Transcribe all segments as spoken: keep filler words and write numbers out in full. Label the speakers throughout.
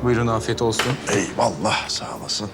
Speaker 1: Buyurun, afiyet olsun.
Speaker 2: Eyvallah, sağ olasın.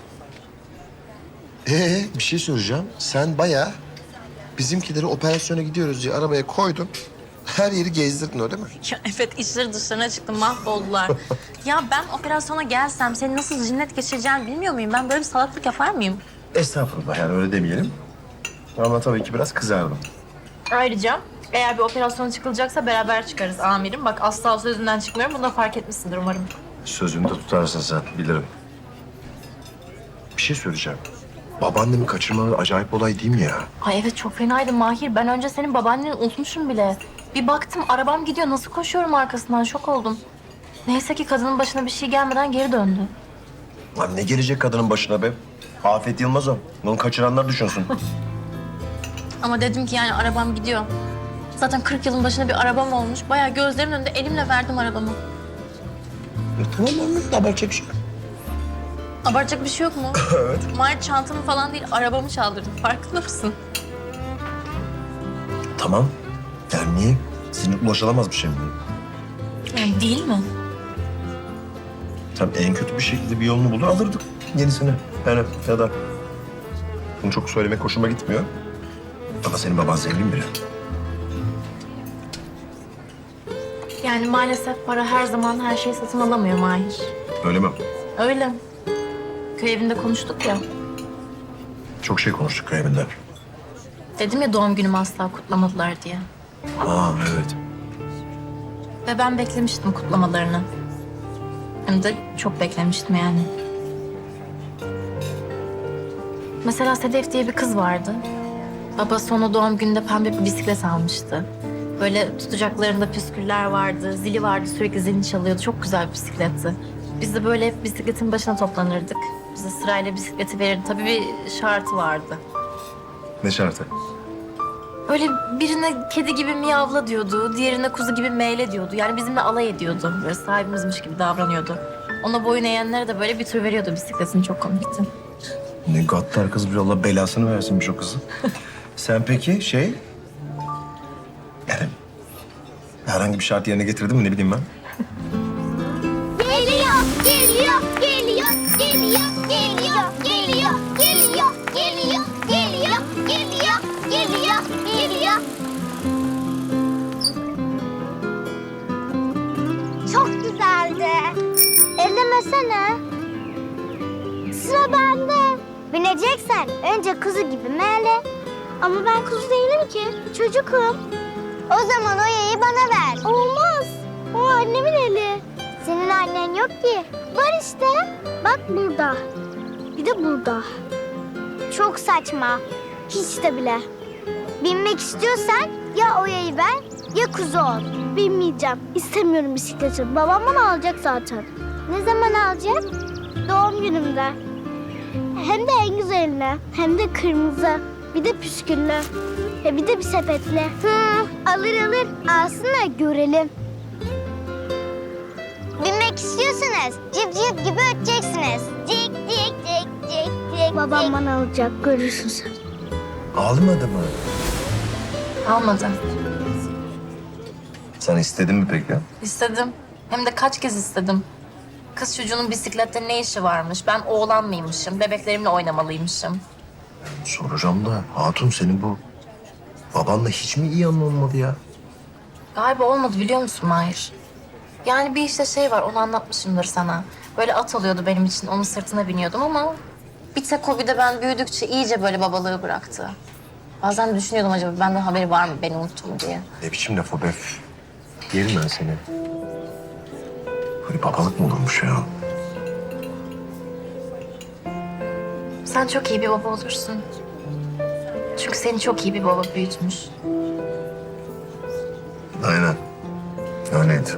Speaker 2: Ee, bir şey soracağım. Sen bayağı bizimkileri operasyona gidiyoruz diye arabaya koydun. Her yeri gezdirdin öyle mi?
Speaker 3: Ya evet, işleri dışlarına çıktı, mahvoldular. Ya ben operasyona gelsem seni nasıl cinnet geçireceğimi bilmiyor muyum? Ben böyle bir salaklık yapar mıyım?
Speaker 2: Estağfurullah, yani öyle demeyelim. Ama tabii ki biraz kızardım.
Speaker 3: Ayrıca eğer bir operasyona çıkılacaksa beraber çıkarız amirim. Bak asla sözünden çıkmıyorum. Bunu da fark etmişsindir umarım.
Speaker 2: Sözünü de tutarsın sen, bilirim. Bir şey söyleyeceğim. Babaannemi kaçırmaları acayip olay değil mi ya?
Speaker 3: Ay evet, çok fenaydı Mahir. Ben önce senin babaanneni unutmuşum bile. Bir baktım arabam gidiyor. Nasıl koşuyorum arkasından, şok oldum. Neyse ki kadının başına bir şey gelmeden geri döndü.
Speaker 2: Lan ne gelecek kadının başına be? Afet Yılmaz o. Onu kaçıranlar düşünsün.
Speaker 3: Ama dedim ki yani arabam gidiyor. Zaten kırk yılın başında bir arabam olmuş. Bayağı gözlerimin önünde elimle verdim arabamı.
Speaker 2: E, tamam anladım, abartacak bir şey yok.
Speaker 3: Abartacak bir şey yok mu?
Speaker 2: Evet.
Speaker 3: Mahir çantamı falan değil, arabamı çaldırdım. Farkında mısın?
Speaker 2: Tamam. Yani niye? Sizin ulaşılamaz bir şey mi?
Speaker 3: Yani değil mi?
Speaker 2: Tabii en kötü bir şekilde bir yolunu bulur alırdık yenisini. Yani ya da bunu çok söylemek hoşuma gitmiyor. Ama senin baban zengin biri.
Speaker 3: Yani maalesef para her zaman her şeyi satın alamıyor Mahir.
Speaker 2: Öyle mi?
Speaker 3: Öyle. Köy evinde konuştuk ya.
Speaker 2: Çok şey konuştuk köy evinde.
Speaker 3: Dedim ya doğum günümü asla kutlamadılar diye.
Speaker 2: Aa evet.
Speaker 3: Ve ben beklemiştim kutlamalarını. Hem de çok beklemiştim yani. Mesela Sedef diye bir kız vardı. Babası ona doğum gününde pembe bir bisiklet almıştı. Böyle tutacaklarında püsküller vardı, zili vardı, sürekli zilini çalıyordu. Çok güzel bir bisikletti. Biz de böyle hep bisikletin başına toplanırdık. Bize sırayla bisikleti verirdi. Tabii bir şartı vardı.
Speaker 2: Ne şartı?
Speaker 3: Böyle birine kedi gibi miyavla diyordu, diğerine kuzu gibi meyle diyordu. Yani bizimle alay ediyordu. Böyle sahibimizmiş gibi davranıyordu. Ona boyun eğenlere de böyle bir tür veriyordu bisikletini. Çok komikti.
Speaker 2: Ne gaddar kız bir, Allah belasını versinmiş o kızı. Sen peki şey... Yani herhangi bir şart yerine getirdin mi ne bileyim ben?
Speaker 4: Geliyor, geliyor, geliyor, geliyor, geliyor, geliyor, geliyor, geliyor, geliyor, geliyor, geliyor, geliyor. Çok güzeldi. Ellemesene. Sıra bende. Bineceksen önce kuzu gibi meğle. Ama ben kuzu değilim ki. Çocukum. O zaman o yayı bana ver. Olmaz. O annemin eli. Senin annen yok ki. Var işte. Bak burada. Bir de burada. Çok saçma. Hiç de bile. Binmek istiyorsan ya o yayı ver ya kuzu ol. Binmeyeceğim. İstemiyorum bisikleti. Babam bana alacak zaten. Ne zaman alacak? Doğum günümde. Hem de en güzeline. Hem de kırmızı. Bir de püsküllü. Ve bir de bir sepetli. Hı, alır alır. Alsın da görelim. Binmek istiyorsanız cip cip gibi öteceksiniz. Cik cik cik cik cik. Babam bana alacak, görürsün sen.
Speaker 2: Almadı mı?
Speaker 3: Almadı.
Speaker 2: Sen istedin mi peki?
Speaker 3: İstedim. Hem de kaç kez istedim. Kız çocuğunun bisiklette ne işi varmış? Ben oğlan mıymışım? Bebeklerimle oynamalıymışım.
Speaker 2: Soracağım da hatun senin bu babanla hiç mi iyi anlaşılmadı ya?
Speaker 3: Galiba olmadı, biliyor musun Mahir? Yani bir işte şey var, onu anlatmışımdır sana. Böyle at alıyordu benim için, onun sırtına biniyordum ama... Bir tek o, bir de ben büyüdükçe iyice böyle babalığı bıraktı. Bazen düşünüyordum, acaba benden haberi var mı beni unuttum diye.
Speaker 2: Ne biçim laf o be? Yerim ben seni. Böyle babalık mı olurmuş ya?
Speaker 3: Sen çok iyi bir baba olursun. Çünkü seni çok iyi bir baba büyütmüş.
Speaker 2: Aynen. Öyleydi.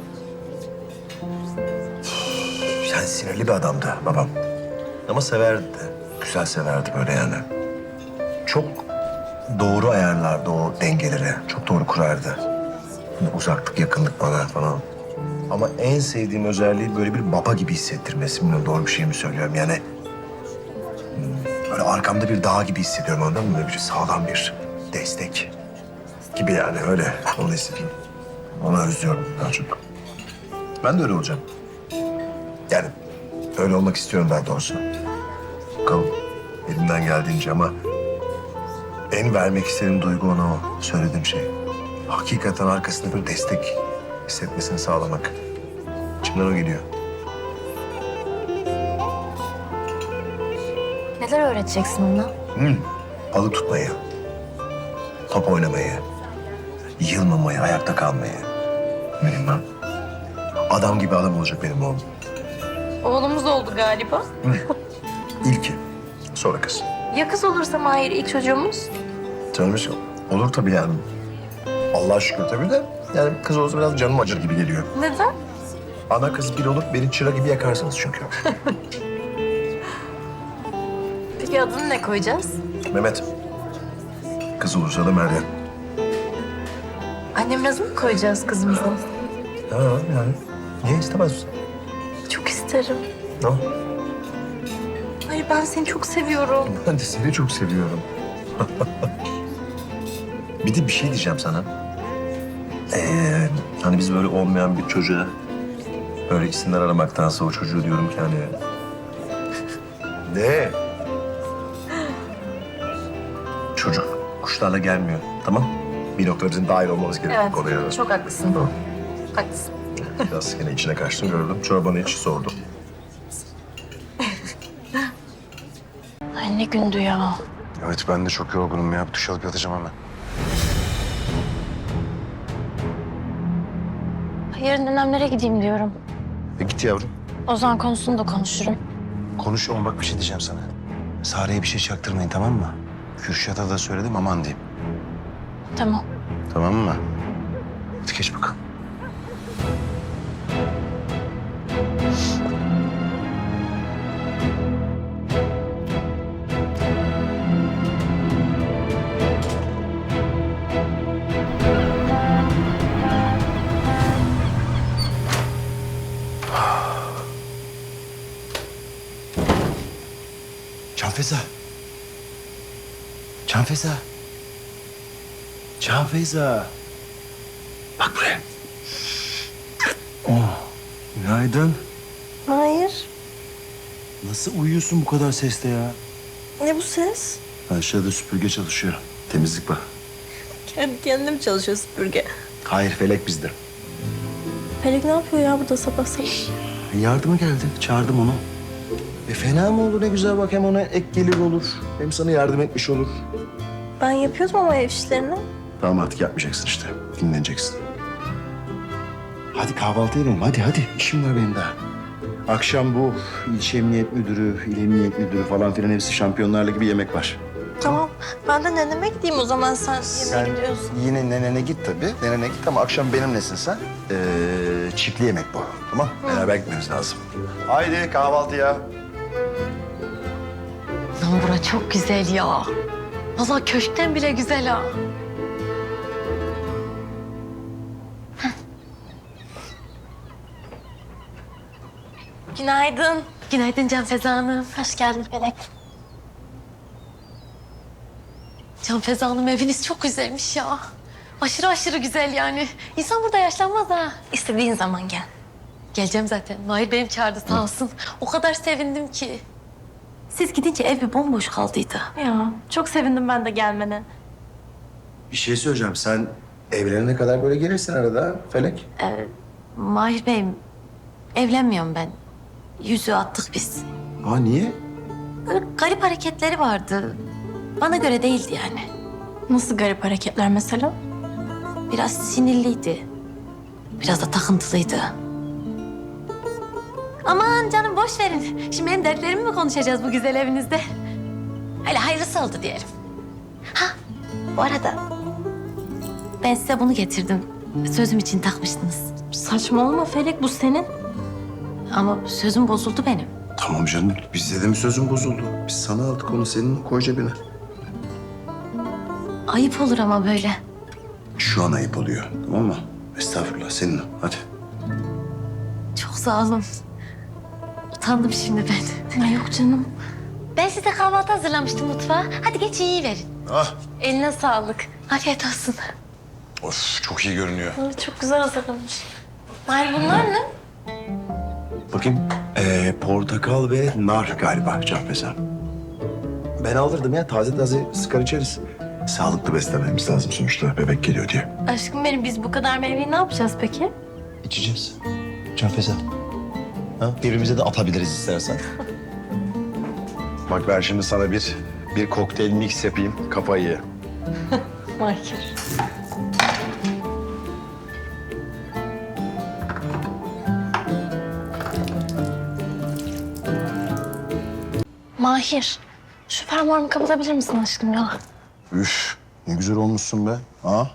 Speaker 2: Yani sinirli bir adamdı babam. Ama severdi de. Güzel severdi böyle yani. Çok doğru ayarlardı o dengeleri. Çok doğru kurardı. Hani uzaklık, yakınlık bana falan. Ama en sevdiğim özelliği böyle bir baba gibi hissettirmesi. Bilmiyorum doğru bir şey mi söylüyorum yani. hmm, Böyle arkamda bir dağ gibi hissediyorum, anladın mı? Böyle bir sağlam bir destek gibi yani, öyle. Onu hissediyorum. Onu özlüyorum daha çok. Ben de öyle olacağım. Yani öyle olmak istiyorum daha doğrusu. Bakalım elimden geldiğince ama en vermek istediğim duygu ona o söylediğim şey. Hakikaten arkasında bir destek hissetmesini sağlamak. İçimden o geliyor.
Speaker 3: Neler öğreteceksin ona?
Speaker 2: Hmm. Balık tutmayı, top oynamayı, yılmamayı, ayakta kalmayı. Benim ben. Adam gibi adam olacak benim oğlum.
Speaker 3: Oğlumuz oldu galiba.
Speaker 2: İlki, sonra kız.
Speaker 3: Ya kız olursa Mahir ilk çocuğumuz?
Speaker 2: Canım hiç- olur tabii yani. Allah'a şükür tabii de yani kız olursa biraz canım acır gibi geliyor.
Speaker 3: Neden?
Speaker 2: Ana kız bir olup beni çıra gibi yakarsınız çünkü.
Speaker 3: Peki adını ne koyacağız?
Speaker 2: Mehmet. Kız olursa da Meryem.
Speaker 3: Annemin adını mı koyacağız kızımıza?
Speaker 2: Ha yani. Niye istemez misin?
Speaker 3: Çok isterim.
Speaker 2: Ne?
Speaker 3: Hayır ben seni çok seviyorum.
Speaker 2: Ben de seni çok seviyorum. Bir de bir şey diyeceğim sana. Ee, hani biz böyle olmayan bir çocuğa böyle isimler aramaktansa o çocuğu diyorum ki hani... Ne? Çocuk kuşlarla gelmiyor, tamam? Bir noktada bizim dahil olmamız gerekiyor
Speaker 3: Evet,
Speaker 2: konuya.
Speaker 3: çok haklısın.
Speaker 2: Tamam.
Speaker 3: Haklısın.
Speaker 2: Biraz yine içine kaçtım gördüm. Çorbanı iç sordum.
Speaker 3: Ay ne gündü ya.
Speaker 1: Evet ben de çok yorgunum ya. Bir duş alıp yatacağım hemen.
Speaker 3: Yarın dönemlere gideyim diyorum.
Speaker 1: E git yavrum.
Speaker 3: Ozan konusunu da konuşurum.
Speaker 1: Konuş ama bak bir şey diyeceğim sana. Sare'ye bir şey çaktırmayın tamam mı? Kürşat'a da söyledim aman diyeyim.
Speaker 3: Tamam.
Speaker 1: Tamam mı? Hadi geç bakalım. Canfeza. Canfeza. Canfeza. Bak buraya. Oh. Günaydın.
Speaker 5: Hayır.
Speaker 1: Nasıl uyuyorsun bu kadar seste ya?
Speaker 5: Ne bu ses?
Speaker 1: Aşağıda süpürge çalışıyor. Temizlik bak.
Speaker 5: Kendi kendine mi çalışıyor süpürge?
Speaker 1: Hayır Felek bizde.
Speaker 5: Pelek ne yapıyor ya burada sabah sabah?
Speaker 1: Yardıma geldi. Çağırdım onu. E fena mı olur ne güzel bak hem ona ek gelir olur. Hem sana yardım etmiş olur.
Speaker 5: Ben yapıyordum ama ev işlerini.
Speaker 1: Tamam artık yapmayacaksın işte. Dinleneceksin. Hadi kahvaltı edelim. Hadi hadi. İşim var benim daha. Akşam bu ilçe emniyet müdürü, il emniyet müdürü falan filan hepsi Şampiyonlar Ligi bir yemek var.
Speaker 5: Tamam. Ben de neneme gideyim o zaman sen yemeğe
Speaker 1: Sen
Speaker 5: gidiyorsun.
Speaker 1: yine nenene git tabii. Nenene git ama akşam benimlesin sen. Ee, çiftli yemek bu. Tamam? Beraber gitmemiz lazım. Haydi kahvaltıya.
Speaker 3: Lan bura çok güzel ya. Vallahi köşkten bile güzel ha. Günaydın. Günaydın Canfeza Hanım.
Speaker 5: Hoş geldin Pelek.
Speaker 3: Canfeza Hanım eviniz çok güzelmiş ya. Aşırı aşırı güzel yani. İnsan burada yaşlanmaz ha.
Speaker 5: İstediğin zaman gel.
Speaker 3: Geleceğim zaten. Mahir benim çağırdı sağ olsun. O kadar sevindim ki. Siz gidince ev bir bomboş kaldıydı.
Speaker 5: Ya çok sevindim ben de gelmene.
Speaker 1: Bir şey söyleyeceğim. Sen evlenene kadar böyle gelirsin arada Felek.
Speaker 3: Mahir Bey'im evlenmiyorum ben. Yüzüğü attık biz.
Speaker 1: Aa niye?
Speaker 3: Böyle garip hareketleri vardı. Bana göre değildi yani.
Speaker 5: Nasıl garip hareketler mesela?
Speaker 3: Biraz sinirliydi. Biraz da takıntılıydı. Aman canım boş verin. Şimdi benim dertlerimi mi konuşacağız bu güzel evinizde? Öyle hayırlısı oldu diyelim. Ha bu arada ben size bunu getirdim. Sözüm için takmıştınız.
Speaker 5: Saçmalama Felek bu senin.
Speaker 3: Ama sözüm bozuldu benim.
Speaker 1: Tamam canım. Bizde de mi sözün bozuldu? Biz sana aldık onu senin koy cebine.
Speaker 3: Ayıp olur ama böyle.
Speaker 1: Şu an ayıp oluyor. Tamam mı? Estağfurullah senin o. Hadi.
Speaker 3: Çok sağ olun. Utandım şimdi ben.
Speaker 5: Ay yok canım.
Speaker 3: Ben size kahvaltı hazırlamıştım mutfağa. Hadi geç iyi verin.
Speaker 1: Ah.
Speaker 3: Eline sağlık. Afiyet olsun.
Speaker 1: Of çok iyi görünüyor.
Speaker 5: Ay, çok güzel hazırlamış.
Speaker 3: Mahir bunlar ne?
Speaker 1: Bakayım. Ee, portakal ve nar galiba Canfeza. Ben alırdım ya, taze taze sıkar içeriz. Sağlıklı beslenmemiz lazım sonuçta, bebek geliyor diye.
Speaker 5: Aşkım benim, biz bu kadar meyveyi ne yapacağız peki?
Speaker 1: İçeceğiz. Canfeza. Ha? Birbirimize de atabiliriz istersen. Bak ben şimdi sana bir bir kokteyl mix yapayım, kafayı ye.
Speaker 5: Mahir. Mahir, şu fermuarımı kapatabilir misin aşkım ya?
Speaker 1: Üf, ne güzel olmuşsun be. Ha?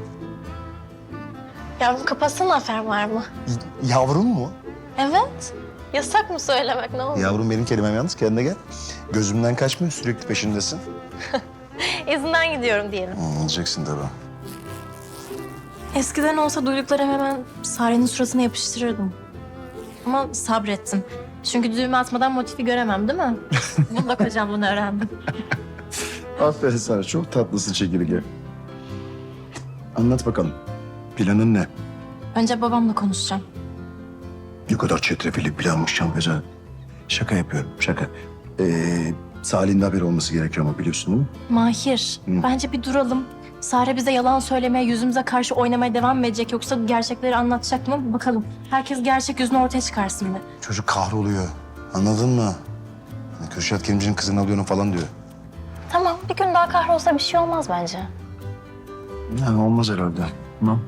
Speaker 5: Yavrum kapatsana fermuarımı.
Speaker 1: Y- Yavrum mu?
Speaker 5: Evet. Yasak mı söylemek, ne olur?
Speaker 1: Yavrum benim kelimem yalnız, kendine gel. Gözümden kaçmıyor, sürekli peşindesin.
Speaker 5: İzinden gidiyorum diyelim.
Speaker 1: Hmm, olacaksın tabii.
Speaker 5: Eskiden olsa duyduklarım hemen Sare'nin suratına yapıştırırdım. Ama sabrettim. Çünkü düğme atmadan motifi göremem değil mi? Bunda kocam bunu öğrendim.
Speaker 1: Aferin sana, çok tatlısın çekirge. Anlat bakalım, planın ne?
Speaker 5: Önce babamla konuşacağım.
Speaker 1: Ne kadar çetrefilli planmış Canfeza. Şaka yapıyorum, şaka. Ee, Salih'in de haberi olması gerekiyor ama biliyorsun değil mi?
Speaker 5: Mahir,
Speaker 1: Hı.
Speaker 5: bence bir duralım. Sare bize yalan söylemeye, yüzümüze karşı oynamaya devam mı edecek yoksa gerçekleri anlatacak mı? Bakalım. Herkes gerçek yüzünü ortaya çıkarsın bir.
Speaker 1: Çocuk kahroluyor, anladın mı? Hani Kürşat Kerimci'nin kızını alıyorum falan diyor.
Speaker 5: Tamam, bir gün daha kahrolsa bir şey olmaz bence.
Speaker 1: Yani olmaz herhalde. Tamam.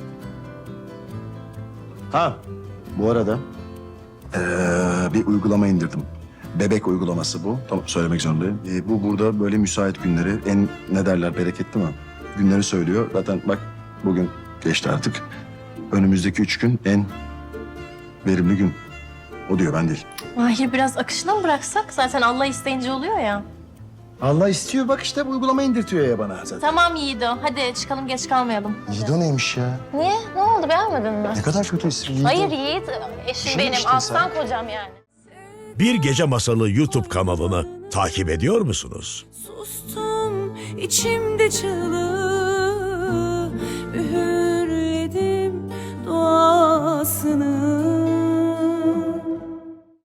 Speaker 1: Ha, bu arada ee, bir uygulama indirdim. Bebek uygulaması bu. Tamam, söylemek zorundayım. Ee, bu burada böyle müsait günleri, en ne derler, bereketli mi? Günleri söylüyor. Zaten bak bugün geçti artık. Önümüzdeki üç gün en verimli gün. O diyor, ben değil.
Speaker 5: Mahir, biraz akışına mı bıraksak? Zaten Allah isteyince oluyor ya.
Speaker 1: Allah istiyor, bak işte bu uygulama indirtiyor ya bana zaten.
Speaker 5: Tamam Yiğido, hadi çıkalım, geç kalmayalım.
Speaker 1: Yiğido neymiş ya?
Speaker 5: Niye? Ne oldu, beğenmedin mi?
Speaker 1: Ne kadar kötü isim Yiğido.
Speaker 5: Hayır Yiğit, eşim
Speaker 1: Şunu
Speaker 5: benim,
Speaker 1: işte
Speaker 5: aslan kocam yani.
Speaker 6: Bir Gece Masalı YouTube kanalını takip ediyor musunuz?
Speaker 7: Sustum içimde çığlık.